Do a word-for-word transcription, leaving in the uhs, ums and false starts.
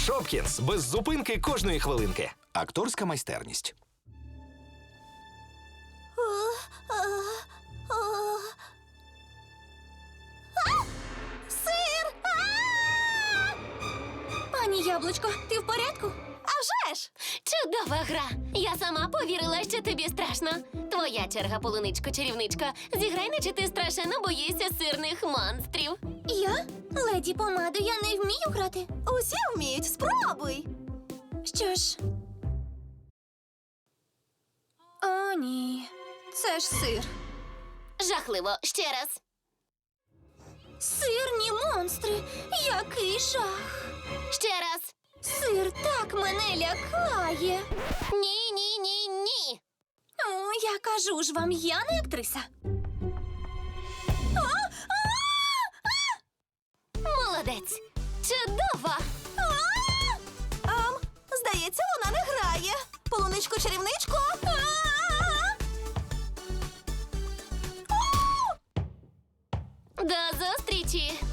Шопкінс. Без зупинки кожної хвилинки. Акторська майстерність. Сир! Пані Яблучко, ти в порядку? А вже ж! Чудова гра! Я сама повірила, що тобі страшно. Твоя черга, полуничко-чарівничко. Зіграй, наче ти страшенно боїшся сирних монстрів. Я? Леді Помадо, я не вмію грати. Усі вміють, спробуй. Що ж? О, ні. Це ж сир. Жахливо. Ще раз. Сирні монстри. Який жах. Ще раз. Сир так мене лякає. Ні, ні, ні, ні. О, я кажу ж вам, я не актриса. А! Молодець. Чудово. Ам, здається, вона не грає. Полуничко-чарівничко. До зустрічі.